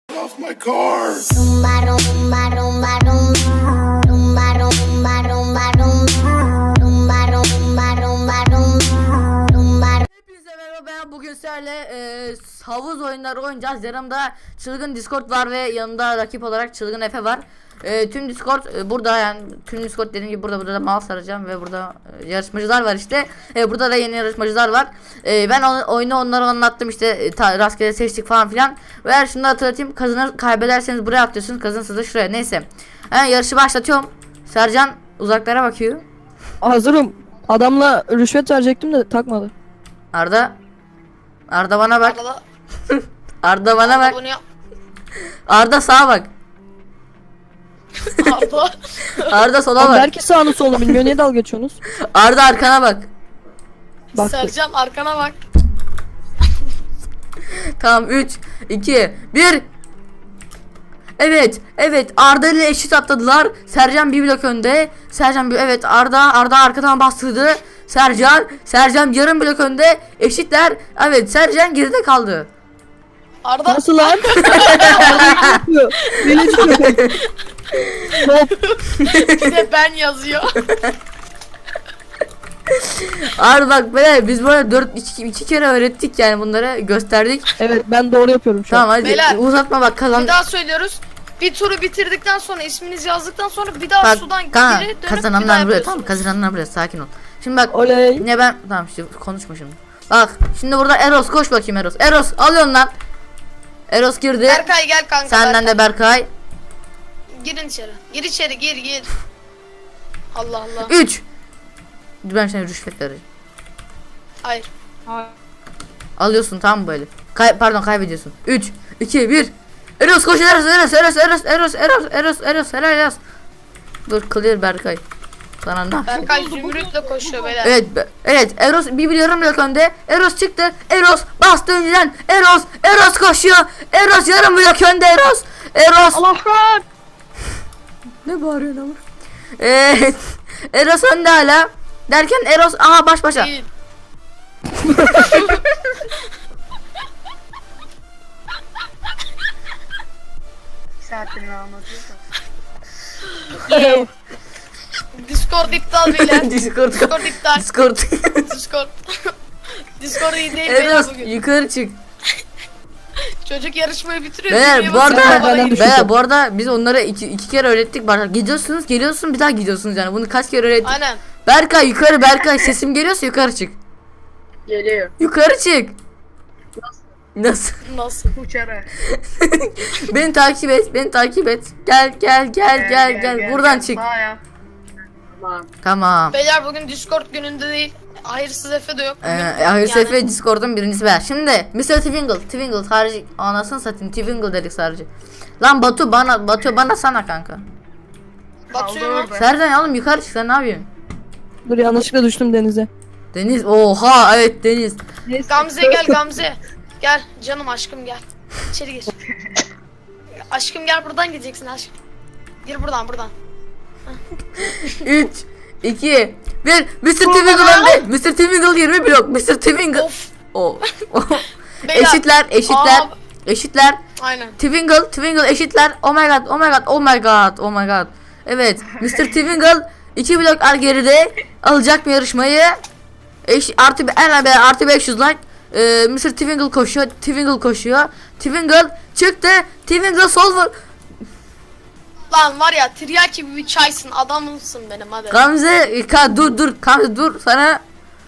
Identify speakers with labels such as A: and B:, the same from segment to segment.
A: off my car.
B: Rumba rumba rumba rumba rumba rumba rumba rumba rumba rumba rumba.
C: Hepinize merhaba, ben bugün sizlerle havuz oyunları oynayacağız. Yanımda çılgın Discord var ve yanımda rakip olarak çılgın Efe var. Tüm Discord burada, yani tüm Discord dediğim gibi burada da mouse arayacağım ve burada yarışmacılar var işte. Burada da yeni yarışmacılar var. Ben oyunu onlara anlattım işte, rastgele seçtik falan filan. Ve eğer şunu da hatırlatayım, kaybederseniz buraya atlıyorsunuz, kazanırsınız da şuraya. Neyse, yarışı başlatıyorum. Sercan uzaklara bakıyor.
D: Hazırım. Adamla rüşvet verecektim de takmadı.
C: Arda bana bak.
E: Arada,
C: Arda bana bak.
E: bunu yap.
C: Arda sağa bak.
E: Arda.
C: Arda sola
D: Abi
C: bak.
D: belki sağını solunu bilmiyor, niye dalga geçiyorsunuz?
C: Arda arkana bak.
D: Bak.
E: Sercan arkana bak.
C: Tamam, 3 2 1. Evet Arda ile eşit atladılar. Sercan bir blok önde. Evet, Arda arkadan bastırdı. Sercan yarım blok önde. Eşitler. Evet, Sercan geride kaldı.
E: Arda.
D: Nasıl lan? Beni çıkıyor. Hop.
E: Bir de ben yazıyor.
C: Arda bak böyle, biz böyle 2 kere öğrettik, yani bunları gösterdik.
D: Evet, ben doğru yapıyorum şu an.
C: Tamam hadi
E: Beyler,
C: uzatma bak, kazan.
E: Bir daha söylüyoruz. Bir turu bitirdikten sonra isminizi yazdıktan sonra bir daha
C: Bak
E: sudan geri dönüp bir
C: kazananlar
E: daha
C: buraya, tamam,
E: yapıyorsunuz.
C: kazananlar buraya, sakin ol. Şimdi bak,
D: Oley.
C: ne ben tamam işte konuşma şimdi. Bak şimdi burada Eros, koş bakayım Eros. Eros alıyorsun lan. Eros girdi.
E: Berkay gel kanka.
C: Senden de Berkay.
E: Girin içeri. Gir içeri gir. Allah Allah.
C: 3. Ben sana rüşvet vereceğim.
E: Hayır.
C: Alıyorsun, tamam böyle. Kaybediyorsun. 3 2 1. Eros koş, Eros. Helal. Dur, clear Berkay. Sana ne?
E: Berkay zümrütle koşuyor beyler.
C: Evet, Eros bir yarım blok önde. Eros çıktı. Eros bastı önceden. Eros koşuyor. Eros yarım blok önde. Eros.
D: Allah kahretsin.
C: Ne bağırıyorsun ama? Eros önde hala. Derken Eros baş başa.
E: Değil. Discord iptal beyler.
C: Discord
E: iptal.
C: Discord.
E: Discord iyi değil beyler
C: Eros
E: bugün.
C: yukarı çık.
E: Çocuk yarışmayı bitiriyor.
C: Beyler
E: dünya
C: bu arada
E: basıyor, bana geliyor.
C: bu arada biz onlara iki kere öğrettik. Bak, geliyorsun bir daha gidiyorsunuz, yani bunu kaç kere öğrettik.
E: Aynen.
C: Berkay sesim geliyorsa yukarı çık.
F: Geliyor.
C: Yukarı çık. Nasıl?
E: Nasıl?
F: Uçarak.
C: Beni takip et. Gel. Buradan çık.
F: Sağ yap. Tamam.
C: Tamam.
E: Beyler bugün Discord gününde değil. Hayırsız Efe de yok. Bugün
C: Hayır,
E: yani-
C: Sefer Discord'un birincisi ben. Şimdi Mr. Twingle harici, anasını satayım, Twingle dedik sadece. Lan Batu bana sana kanka.
E: Batıyor mu?
C: Serden oğlum yukarı çık, sen ne yapıyorsun?
D: Dur, yanlışlıkla düştüm denize.
C: Deniz, oha, evet Deniz.
E: Gamze gel Gamze. Gel canım aşkım gel. İçeri gir. Aşkım gel, buradan gideceksin aşkım. Gir buradan.
C: 3 2 1. Mr. Twingle önde. Mr. Twingle 20 blok. Mr. Twingle.
E: Of.
C: Oh.
E: Beyler.
C: Eşitler.
E: Aynen.
C: Twingle eşitler. Oh my god. Evet, Mr. Twingle 2 blok geride alacak mı yarışmayı? Artı 500 like. Mr. Twingle koşuyor. Twingle çıktı. Twingle solver.
E: Lan var ya, tiryaki gibi bir çaysın, adamımsın benim hadi.
C: Gamze Gamze dur sana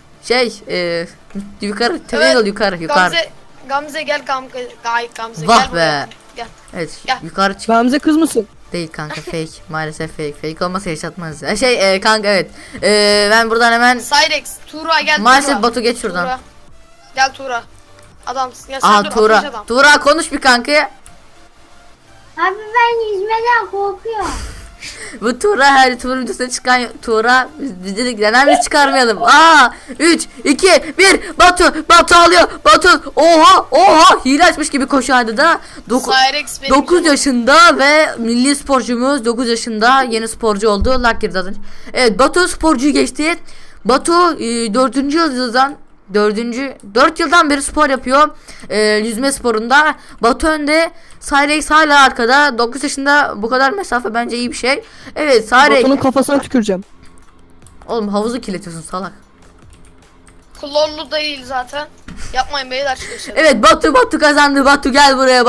C: yukarı Twingle
E: Evet,
C: yukarı.
E: Gamze gel Gamze.
C: Vah
E: Gel buraya.
C: be.
E: Gel.
C: Evet,
E: Gel.
C: yukarı çık.
D: Gamze kız mısın?
C: Değil kanka, fake. Maalesef fake olmasa yaşatmaz. Kanka evet. Ben buradan hemen
E: Cyrex, Tuğra gel.
C: maalesef
E: Tuğra.
C: Batu geç şuradan.
E: Tuğra. Gel Tuğra. Adamsın ya, sen dur,
C: Tuğra.
E: atmış adam.
C: Tuğra konuş bir kanka.
B: Abi ben yüzmeden korkuyorum.
C: Bu Tuğra, her Tuğra videosuna çıkan Tuğra, biz dedik neden biz çıkarmayalım. 3 2 1. Batu alıyor. Batu oha hile açmış gibi koşuyor hadi da.
E: Cyrex benim
C: 9
E: canım.
C: yaşında ve milli sporcumuz, 9 yaşında yeni sporcu oldu. Lucky zaten. Evet, Batu sporcuyu geçti. Batu 4. yıldızdan 4 yıldan beri spor yapıyor. Yüzme sporunda. Batu önde. Cyrex hala arkada. 9 yaşında bu kadar mesafe bence iyi bir şey. Evet Cyrex.
D: Batu'nun kafasına tüküreceğim.
C: Oğlum havuzu kirletiyorsun salak.
E: Klorlu değil zaten. Yapmayın beyler şu işleri.
C: Evet Batu kazandı. Batu gel buraya.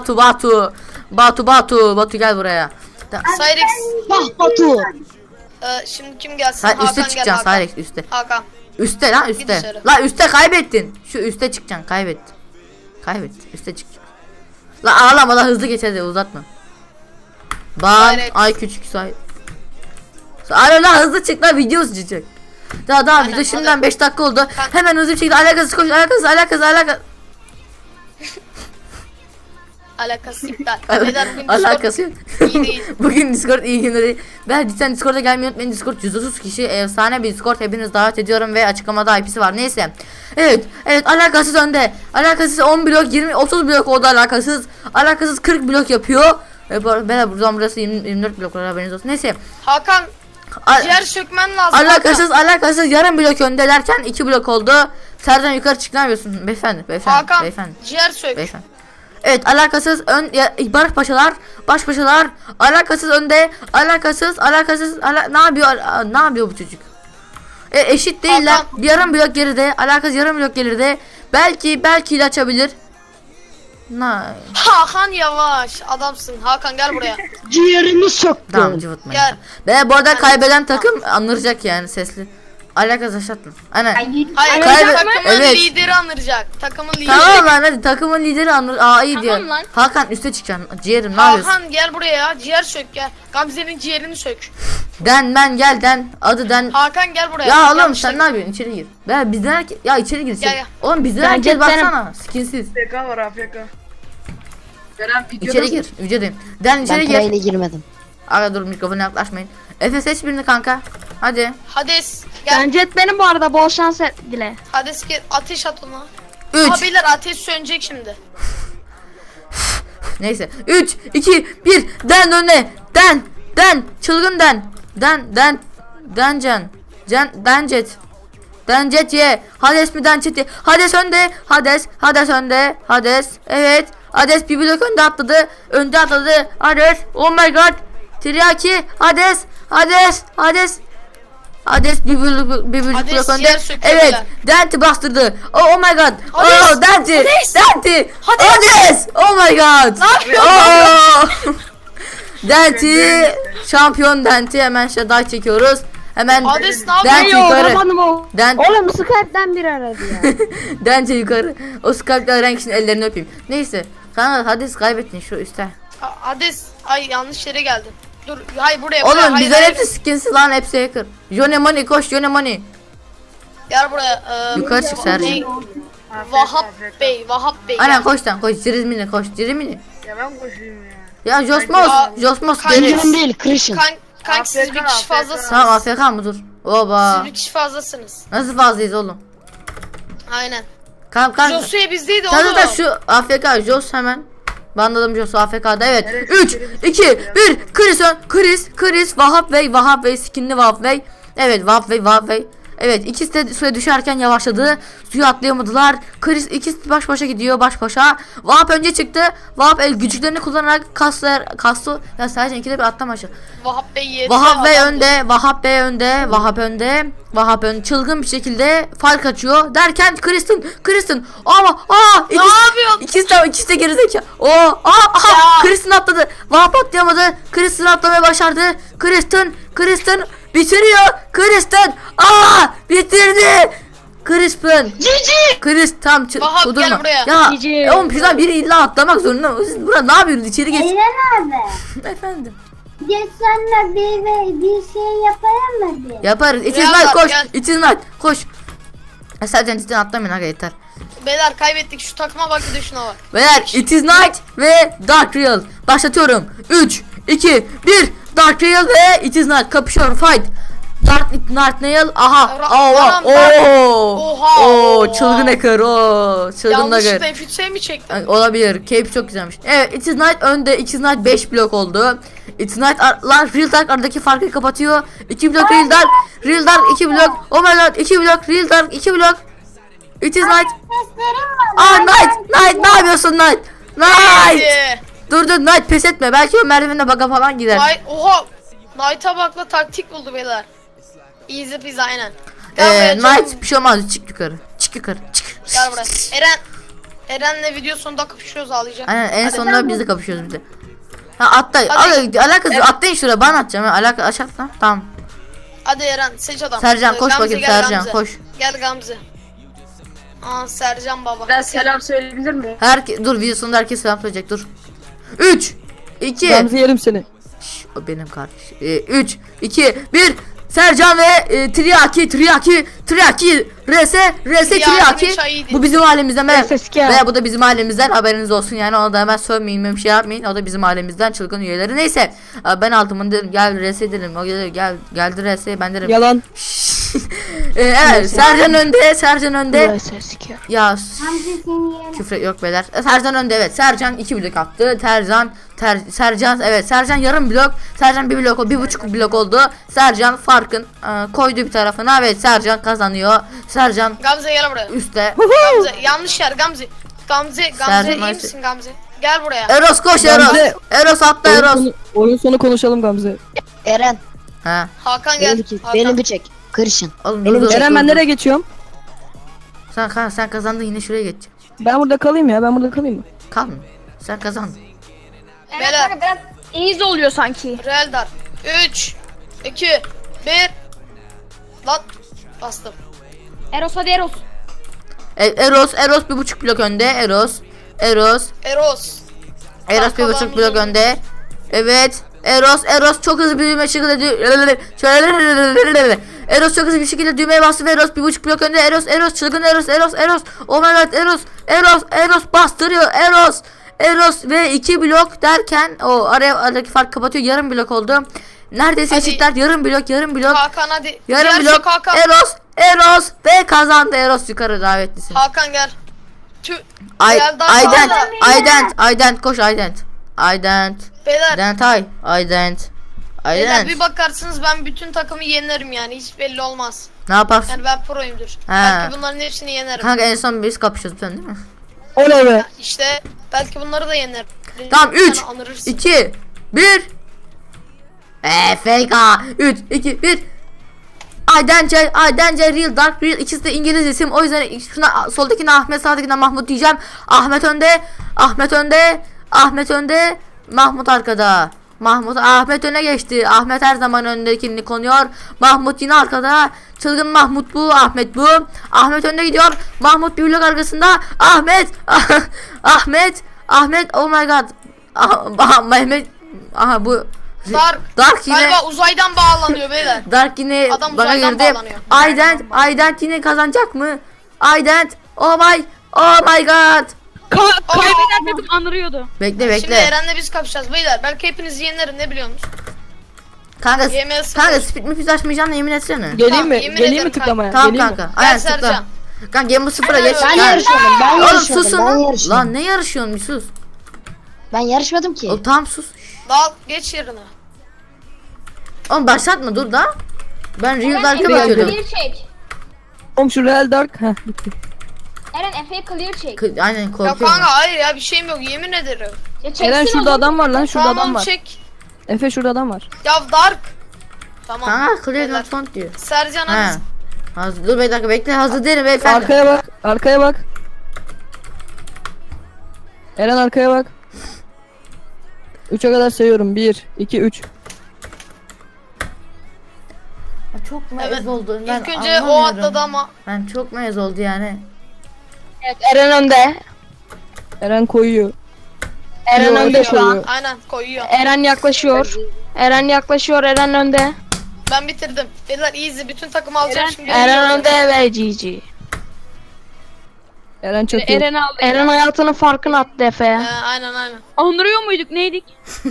C: Batu gel buraya.
E: Cyrex.
D: Batu.
E: Şimdi kim gelsin?
C: Sen üste
E: Hakan gel
C: çıkacaksın
E: Hakan.
C: Cyrex üste.
E: Hakan.
C: Üste lan
E: Git
C: üste.
E: dışarı.
C: La üste kaybettin. Şu üste çıkacaksın kaybettin. Üste çıkacaksın. La ağlama la hızlı geç hadi uzatma.
E: Gayret.
C: Ay küçük say. Alo la hızlı çık la video sıcak. Daha
E: Aynen,
C: video şimdiden
E: hadi.
C: 5 dakika oldu.
E: Kanka.
C: Hemen hızlı bir şekilde alakasız koş alakasız.
E: Alakası iptal. Beyler bugün
C: Alakası yok.
E: iyi değil.
C: Bugün Discord iyi günleri. Ben cidden Discord'a gelmeyi unutmayın. Discord 130 kişi efsane bir Discord. Hepiniz davet ediyorum ve açıklamada IP'si var. Neyse. Evet alakasız önde. Alakasız 10 blok 20 30 blok oldu alakasız. Alakasız 40 blok yapıyor. Ben buradan burası 24 blok haberiniz olsun. Neyse.
E: Hakan
C: Al-
E: ciğer sökmen lazım.
C: Alakasız yarım blok önde derken 2 blok oldu. Sercan yukarı çık ne yapıyorsun? Beyefendi.
E: Hakan
C: Beyefendi.
E: ciğer sök.
C: Beyefendi. Evet alakasız baş paşalar alakasız önde ne yapıyor bu çocuk? Eşit değiller.
E: Hakan.
C: Bir yarım blok geride, alakasız yarım blok geride. Belki ile açabilir.
E: Hakan yavaş adamsın. Hakan gel buraya.
D: Ciğerimi söktüm.
C: Tamam cıvıtmayın.
E: Gel.
C: Ve bu arada
E: Hadi.
C: kaybeden takım anıracak yani sesli. Alakasız aşatma. Aynen.
E: Hayır
C: Kaybe-
E: takımın
C: Evet.
E: lideri anıracak. Takımın lideri.
C: Tamam lan hadi takımın lideri anır. Aa iyi diyor.
E: Tamam lan.
C: Hakan üste çıkacaksın. Ciğerim ne yapıyorsun?
E: Hakan gel buraya ya. Ciğer sök gel. Gamze'nin ciğerini sök.
C: Ben gel den. Adı den.
E: Hakan gel buraya.
C: Ya oğlum
E: Yanlış
C: sen ne
E: takım.
C: yapıyorsun? İçeri gir. Ben bizden herkes ya içeri gir.
E: Gel, gel.
C: Oğlum bizden
D: Bence
C: herkes
D: benim-
C: baksana. Skinsiz.
F: AFK var AFK. Kerem
C: İçeri gir. Vücudum. Den içeri gir.
D: Parayla girmedim.
C: Aga dur mikrofona yaklaşmayın. Efe seç birini kanka. Hadi.
E: Hades gel.
A: Bence benim bu arada bol şans dile.
E: Hades gel. Ateş at ona.
C: 3.
E: Aa beyler ateş sönecek şimdi.
C: Neyse. 3 2 1 den önüne. Den. Çılgın den. Dencan. Dencet. Dencet ye. Hades mi Dencet ye. Hades önde. Hades önde. Hades. Evet. Hades bir blok önde atladı. Hades. Oh my god. Tiryaki. Hades bir blok
E: Hades
C: önde.
E: yer söküyor
C: Evet.
E: beyler.
C: Denti bastırdı. Oh my god.
E: Hades.
C: Oh Denti. Denti.
E: Hades.
C: Oh my god.
E: Ne yapıyorsun?
C: Oh. Denti. Şampiyon Denti. Hemen şaday çekiyoruz. Hemen
E: Hades ne
C: Denti
E: yapıyor?
C: yukarı.
A: Yapamadım o.
C: Denti.
A: Oğlum Skype'den biri aradı ya.
C: Denti yukarı. O Skype'da renk için ellerini öpeyim. Neyse. Kanka Hades kaybettin şu üstte.
E: Hades ay yanlış yere geldin. Dur hayır buraya.
C: Oğlum
E: hayır,
C: bizler
E: hayır.
C: hepsi skinsiz lan hepsi hacker. Jone Money koş Jone Money.
E: Gel buraya.
C: Yukarı çık Sercan.
E: ne? Vahap Bey.
C: Aynen
E: gel.
C: koş lan koş. Cirimini koş. Cirimini.
F: Ya ben koşayım ya.
C: Ya Josmos.
E: Aa,
C: Josmos
E: kanka-
C: deriz.
D: değil, Christian.
E: Kanka siz bir
F: AFK,
E: kişi fazlasınız.
C: Tamam AFK mı dur? Oba.
E: Siz bir kişi fazlasınız.
C: Nasıl fazlayız oğlum?
E: Aynen.
C: Kanka.
E: Josué bizdeydi
C: Sen
E: oğlum.
C: de şu AFK Jos hemen. Banladım Jos'u AFK'da evet.
F: Evet,
C: 3
F: evet.
C: 2 1 Chris Vahap Bey skinli Vahap Bey. Evet Vahap Bey. Evet ikisi de suya düşerken yavaşladı. Suya atlayamadılar. Chris ikisi baş başa gidiyor baş başa. Vahap önce çıktı. Vahap güçlerini kullanarak kastı. Ya sadece ikide bir atlama aşağı.
E: Vahap Bey yedi.
C: Vahap Bey
E: adamdı.
C: önde, Vahap önde, çılgın bir şekilde fark açıyor derken Kristen ama ikisi de gerizekalı. Kristen atladı. Vahap atlayamadı. Kristen atlamayı başardı. Kristen bitiriyor. Bitirdi. Chris tam
E: Vahap, gel
C: durma.
E: buraya.
C: Ya
A: Cici.
C: oğlum şuradan biri illa atlamak zorunda. Siz burada ne yapıyorsunuz? İçeri geç.
B: Eren abi.
C: Efendim.
B: Geç sonra bir şey yapalım mı bir?
C: Yaparız. It is
E: Real
C: night
E: var,
C: koş.
E: gel.
C: It is night koş. Sadece cidden atlamayın aga yeter.
E: Beyler kaybettik şu takıma bak bir de şuna bak.
C: Beyler It is night ve Dark Real. Başlatıyorum. 3, 2, 1. Dark Real ve It is night. Kapışıyorum. Fight. Dark Real. Aha.
E: Anam, Oha.
C: Çılgın hacker. Çılgın hacker.
E: Yanlışlıkla F3'e mi çektim?
C: Olabilir. Cape çok güzelmiş. Evet, It is Night önde. It is Night 5 blok oldu. It is Night Real Dark aradaki farkı kapatıyor. 2 blok Real Dark 2 blok. Oh my god 2 blok Real Dark 2 blok. It is night.
B: Seslerim var.
C: Night ne yapıyorsun Night? Night.
E: Hadi.
C: Dur Night pes etme. Belki o merdivenine baka falan gider.
E: Oha. Knight'a bakla taktik buldu beyler. Easy peasy aynen. Gel buraya canım.
C: Night bir şey olmaz. Çık yukarı. Çık.
E: Gel buraya. Eren'le video sonunda kapışıyoruz ağlayacak.
C: Aynen en
E: Hadi.
C: sonunda biz de kapışıyoruz bir de. Ha atla.
E: Hadi.
C: Alakası
E: Evet.
C: atlayın şuraya. Ben atacağım. Alaka aşağı atla. Tamam.
E: Hadi Eren seç adam.
C: Sercan, koş
E: Gamze,
C: bakayım,
E: gel
C: Sercan,
E: Gamze.
C: koş.
E: Gel Gamze. Aa Sercan baba.
F: Ben selam söyleyebilir miyim?
C: Dur videosunda herkes selam söyleyecek. Dur. 3 2
D: Gamze yerim seni.
C: O benim kardeşim. 3 2 1 Sercan ve Triaki RS Triaki.
E: çayıydı.
C: Bu bizim ailemizden ve
A: Eski.
C: bu da bizim ailemizden, haberiniz olsun yani, ona da hemen sövmeyin, bir şey yapmayın, o da bizim ailemizden çılgın üyeleri. Neyse ben altımın dedim, gel RS dedim, o geldi RS, ben dedim
D: Yalan.
C: evet Sercan önde ya
B: Hamza seni yerim.
C: küfür yok beyler. Sercan önde, evet. Sercan 2 blok attı. Sercan evet. Sercan yarım blok. Sercan 1 blok, 1,5 blok oldu. Sercan farkın koydu bir tarafına. Evet Sercan kazanıyor. Sercan
E: Gamze gel buraya.
C: üstte.
E: Gamze yanlış yer Gamze. Gamze
C: Sercan
E: iyi
C: Ayşe.
E: misin Gamze? Gel buraya.
C: Eros koş
D: Gamze.
C: Eros. Eros atla Eros.
D: Oyun sonu konuşalım Gamze.
G: Eren,
C: Ha.
E: Hakan gel.
G: beni,
E: Hakan.
G: beni bir çek. Kırışın.
C: Oğlum
G: Benim
C: dur.
D: Eren ben nereye geçiyorum?
C: Sen kazandın, yine şuraya geç.
D: Ben burada kalayım ya. Ben burada kalayım mı?
C: Kalma. Sen kazandın.
E: Beyler.
A: biraz easy oluyor sanki.
E: Real dar. 3 2 1 Lan bastım.
A: Eros hadi Eros.
C: Eros 1,5 blok önde. Eros
E: Eros.
C: 1,5 blok önde. Evet. Eros çok hızlı bir şekilde Eros çok hızlı bir şekilde düğmeye bastı ve Eros 1,5 blok önde. Eros çılgın Eros. Oh my god Eros bastırıyor. Eros ve 2 blok derken o aradaki fark kapatıyor. Yarım blok oldu. Neredeyse
E: Hadi.
C: eşitler. Yarım blok.
E: Hakan hadi.
C: Yarım
E: Diğer
C: blok.
E: çok Hakan.
C: Eros ve kazandı. Eros yukarı davetlisin.
E: Hakan gel. Real dar
C: Aydent koş Aydent.
E: Beyler. Beyler bir bakarsınız ben bütün takımı yenerim yani hiç belli olmaz.
C: Ne yaparsın?
E: Yani ben proyumdur.
C: He.
E: Belki bunların hepsini yenerim.
C: Kanka en son biz kapışıyoruz sen değil mi?
D: Oley be.
E: İşte belki bunları da yenerim.
C: Tamam,
E: Bir tane
C: 3
E: anırırsın.
C: 2 1 FK 3 2 1 Aydence Real Dark Real, ikisi de İngiliz isim, o yüzden şuna soldakine Ahmet, sağdakine Mahmut diyeceğim. Ahmet önde, Mahmut arkada. Ahmet öne geçti. Ahmet her zaman öndekini konuyor. Mahmut yine arkada. Çılgın Mahmut bu. Ahmet bu. Ahmet önde gidiyor. Mahmut bir blok arkasında. Ahmet oh my god. Mehmet. Aha bu. Dark yine.
E: Galiba uzaydan bağlanıyor beyler.
C: Dark yine
E: Adam
C: bana
E: uzaydan
C: girdi.
E: bağlanıyor.
C: Aydent yine kazanacak mı? Aydent. Oh my god.
A: Kaybeden takım anırıyordu.
C: Bekle.
E: Şimdi Eren'le biz kapışacağız beyler. Belki hepinizi yenerim ne biliyorsunuz?
C: Kanka
E: Yemeğe
C: speed mi açmayacağını yemin etsene.
D: Geleyim
E: Tamam,
D: mi?
E: yemin
D: Geleyim
E: ederim
D: mi tıklamaya?
C: Tamam
D: Geleyim mi?
C: kanka.
E: Gel
C: Aynen tıkla.
E: Sercan.
C: Kanka Game bu sıfıra geç.
G: Ben
C: Gel.
G: yarışmadım. Ben
C: Oğlum
G: yarışmadım.
C: susun
G: Ben
C: lan.
G: yarışmadım.
C: Lan ne yarışıyorsun bir sus.
G: Ben yarışmadım ki.
C: O tamam sus.
E: Dal geç yerine.
C: Oğlum başlatma dur da. Ben Real Dark'a
D: Clear
C: bakıyordum.
A: çek.
D: Oğlum şu Real Dark. Heh bitti.
A: Eren Efe'ye clear çek.
C: Aynen
E: Ya
C: korkuyorum.
E: kanka hayır ya bir şeyim yok yemin ederim.
A: Ya çeksin
D: Eren şurada
A: oğlum.
D: adam var lan. Şurada
E: Tamam
D: adam var.
E: çek.
D: Efe şurada adam var.
E: Ya Dark. Tamam.
C: Kanka clear
E: Beyler.
C: not found diyor.
E: Sercan
C: He.
E: hadi.
C: Hazır dur bir dakika bekle, hazır değilim beyefendi.
D: Arkaya bak. Arkaya bak. Eren arkaya bak. 3'e kadar sayıyorum. 1 2 3.
C: Çok
E: Evet.
C: mez oldu. Ben
E: İlk önce o
C: anlamıyorum.
E: atladı ama.
C: Ben çok mez oldu yani.
A: Evet Eren önde.
D: Eren koyuyor.
A: Eren önde şu an.
E: Aynen koyuyor.
A: Eren yaklaşıyor. Eren önde.
E: Ben bitirdim. Beyler easy bütün takımı alacağım şimdi.
A: Eren önde ve GG.
D: Eren çok iyi.
A: Eren hayatının farkını attı Efe'ye.
E: Aynen.
A: Andırıyor muyduk neydik?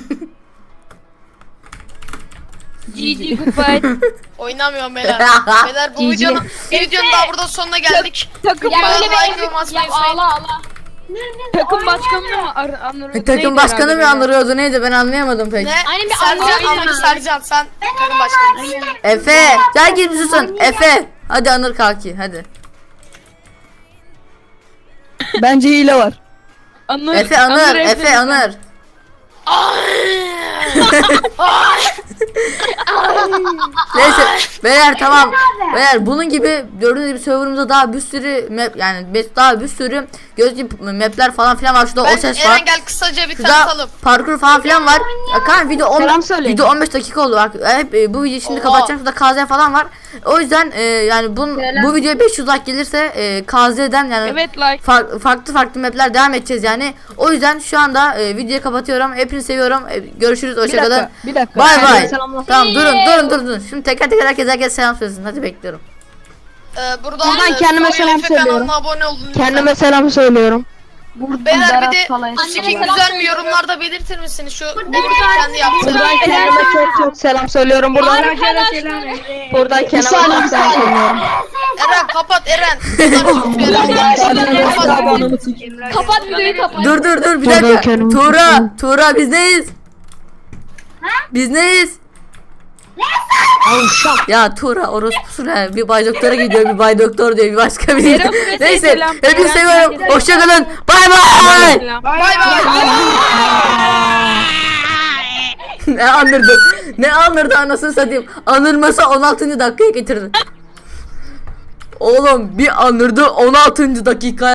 A: GG goodbye.
E: Oynamıyorum beyler. Beyler bu videonun daha burada sonuna geldik.
A: Takım
E: Ya
A: böyle
E: like
A: bir
E: ve basmayı
A: ağla. Takım başkanını mı anırıyordu?
C: Takım başkanı mı andırıyordu neydi, ben anlayamadım pek.
E: Ne?
A: Aynen bir
E: Sercan,
A: anlayamadım.
E: Sercan sen takım başkanısın.
C: Efe gel gir bir susun. Efe hadi anır kalki hadi.
D: Bence hile var.
A: Anır.
C: Efe Anır, Efe Anır. Neyse beyler tamam. Beyler bunun gibi gördüğünüz gibi serverımızda daha bir sürü map yani daha bir sürü gözlü mapler falan filan var. Şurada o ses var.
E: Eren gel kısaca bir
C: Şurada
E: tanıtalım.
C: parkur falan filan var. Kan video
A: Selam söyleyin.
C: video 15 dakika oldu. Bak hep bu videoyu şimdi
E: Oha.
C: kapatacağım. Şurada KZ falan var. O yüzden yani bu videoya 500 like gelirse KZ'den yani
A: Evet like.
C: farklı mapler devam edeceğiz yani. O yüzden şu anda videoyu kapatıyorum. Hepinizi seviyorum. Görüşürüz.
D: Bir
C: Hoşçakalın.
D: dakika. Bir dakika.
C: Bay bay.
A: Selamlar.
C: Tamam durun. Şimdi teker teker herkes selam söylesin. Hadi bekliyorum.
E: Buradan
A: kendime
E: Soyun
A: selam
E: Efe kanalına
A: söylüyorum.
E: abone olun. lütfen.
A: Kendime selam söylüyorum.
E: Beyler bir de
A: falan.
E: bu skin güzel mi yorumlarda belirtir misiniz? Şu benim kendi yaptığım.
A: Buradan kendime çok selam söylüyorum. Buradan kendime selam söylüyorum.
E: Eren kapat Eren. Kapat.
A: Kapat videoyu kapat.
C: Dur bir
A: Dur,
C: dakika.
A: kendim-
C: Tuğra biz neyiz? Biz neyiz? Ya Tuğra orospusun ha. Bir bay doktora gidiyor, bir bay doktor diyor, bir başka bir
A: Eren Fırat'a
C: neyse
A: selam.
C: hepinizi
A: Eren
C: seviyorum.
A: Fırat'a
C: Hoşçakalın. Bay bay.
E: Bay bay.
C: Ne anırdı anasını satayım. Anırmasa 16. dakikaya getirdi. Oğlum bir anırdı 16. dakika.